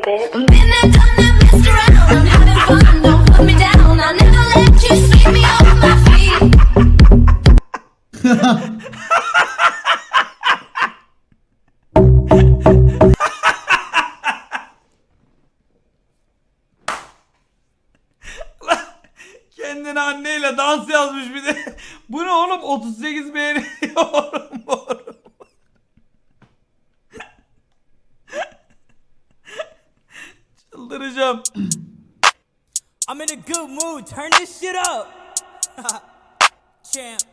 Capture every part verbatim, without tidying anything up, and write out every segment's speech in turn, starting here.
bitch. Been there, done that, messed around. I'm having fun, don't put me down. I never let you sweep me off my feet. Kendine anneyle dans yazmış bir de. Bu ne oğlum? otuz sekiz beğeni yorum yorum. Çıldıracağım. I'm in a good mood. Turn this shit up. Champ.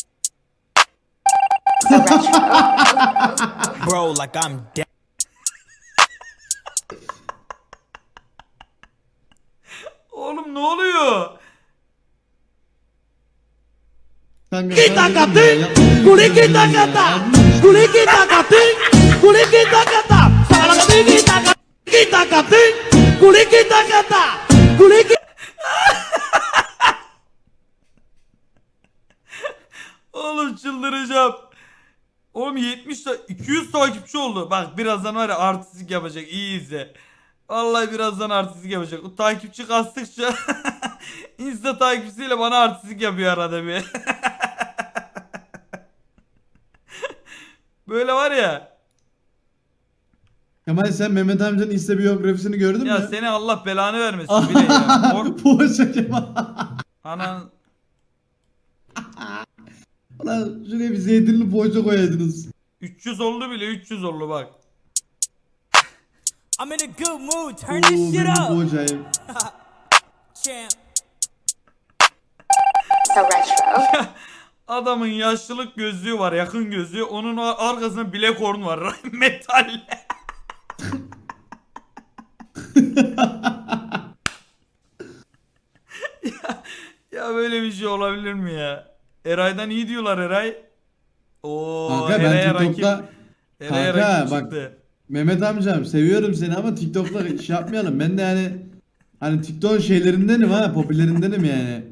Bro, like I'm dead. Oğlum ne oluyor? Kita kating, kulit kita kata, kulit kita kating, kulit kita kata, salah kating kita kata, kita kating, kulit kita kata, kulit kita. Oğlum çıldıracağım. Oğlum yetmiş ta iki yüz takipçi oldu. Bak birazdan var ya artistlik yapacak. İyi izle. Vallahi birazdan artistlik yapacak. O takipçi kastıkça Insta takipçisiyle bana artistlik yapıyor arada bir. Böyle var ya. Kemal sen Mehmet amcanın Insta biyografisini gördün Ya mü? seni Allah belanı vermesin bile ya. Or Poğaça Kemal. Anan. Ulan şuraya bir zeytinli poğaça koyaydınız. üç yüz oldu bile üç yüz oldu bak. I'm in a good mood. Turn Oo this shit benim up. poğaçayım. Champ. So retro. Adamın yaşlılık gözlüğü var, yakın gözlüğü. Onun arkasında Black Horn var. Metal. ya, ya böyle bir şey olabilir mi ya? Eray'dan iyi diyorlar Eray. Oo, Kanka Eray'a ben TikTok'ta... rakip. Eray'a Kanka rakip bak çıktı. Mehmet amcam seviyorum seni ama TikTok'ta şey yapmayalım. Ben de yani hani TikTok şeylerindenim ha, popülerindenim yani.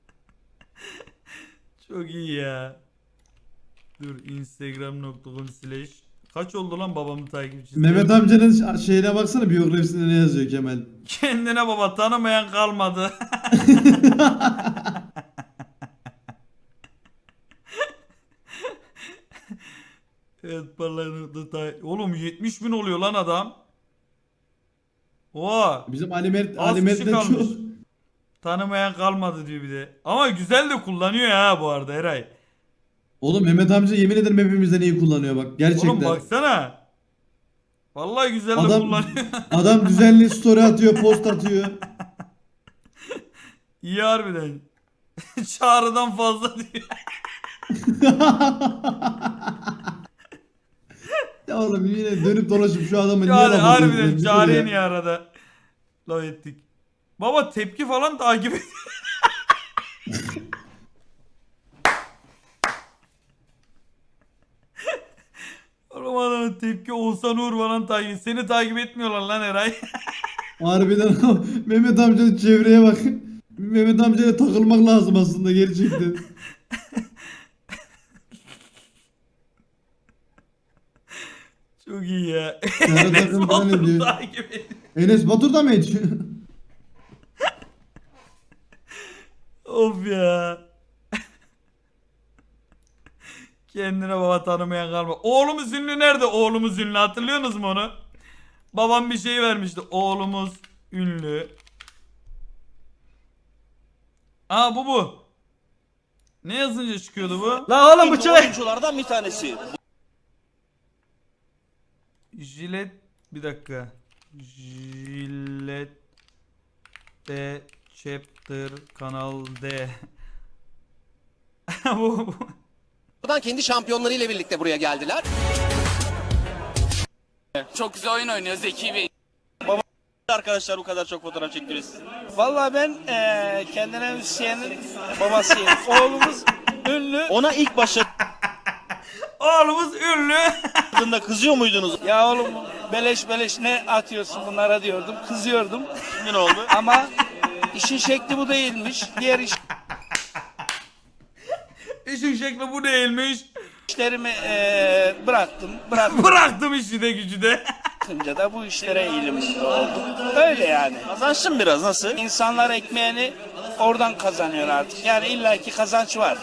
Çok iyi ya. Dur instagram nokta com slash kaç oldu lan babamın takipçisi? Mehmet amcanın şeyine baksana, biyografisinde ne yazıyor Kemal. Kendine baba tanımayan kalmadı. Evet parlaklıkta oğlum yetmiş bin oluyor lan adam. Oha. Bizim Ali Mert, Az Ali kişi Mert'le kalmış. çok... Tanımayan kalmadı diyor bir de. Ama güzel de kullanıyor ha bu arada Eray. Oğlum Mehmet amca yemin ederim hepimizden iyi kullanıyor bak gerçekten. Oğlum baksana. Vallahi güzel de Adam, kullanıyor. adam düzenli story atıyor, post atıyor. İyi harbiden. Çağrıdan fazla diyor. Ya oğlum yine dönüp dolaşıp şu adamı niye Yani laf harbiden atıyorsun? Çağrı'ya Ya. niye arada laf ettik. Baba tepki falan takip et. Oğlum adamın tepki Oğuzhan Uğur falan takip. Seni takip etmiyorlar lan Eray. Harbiden Mehmet amcanın çevreye bak. Mehmet amcaya takılmak lazım aslında gerçekten. Çok iyi ya. Sana Enes takım falan Batur'u ediyor. takip ediyor. Enes Batur da mı hiç? Of ya. Kendine baba tanımayan kalma. Oğlumuz ünlü nerede? Oğlumuz ünlü hatırlıyorsunuz mu onu? Babam bir şey vermişti. Oğlumuz ünlü. Aa bu bu. Ne yazınca çıkıyordu bu? La oğlum bu çay. oyunculardan bir tanesi. Jilet bir dakika. Jilet de chapter kanal D. bu, bu. Buradan kendi şampiyonlarıyla birlikte buraya geldiler. Çok güzel oyun oynuyor Zeki Bey. Arkadaşlar bu kadar çok fotoğraf çektiriyoruz. Vallahi ben eee kendine müzisyenin babasıyım. Oğlumuz ünlü. Ona ilk Oğlumuz ünlü. başladığında kızıyor muydunuz? Ya oğlum beleş beleş ne atıyorsun bunlara diyordum. Kızıyordum. Ne oldu? Ama işin şekli bu değilmiş. Diğer İşin şekli bu değilmiş. işlerimi eee bıraktım. Bıraktım. Bıraktım işi de gücü de. bakınca da bu işlere eğilimli oldum. Öyle yani. Kazançlı mı biraz, nasıl? İnsanlar ekmeğini oradan kazanıyor artık. Yani illaki kazanç var.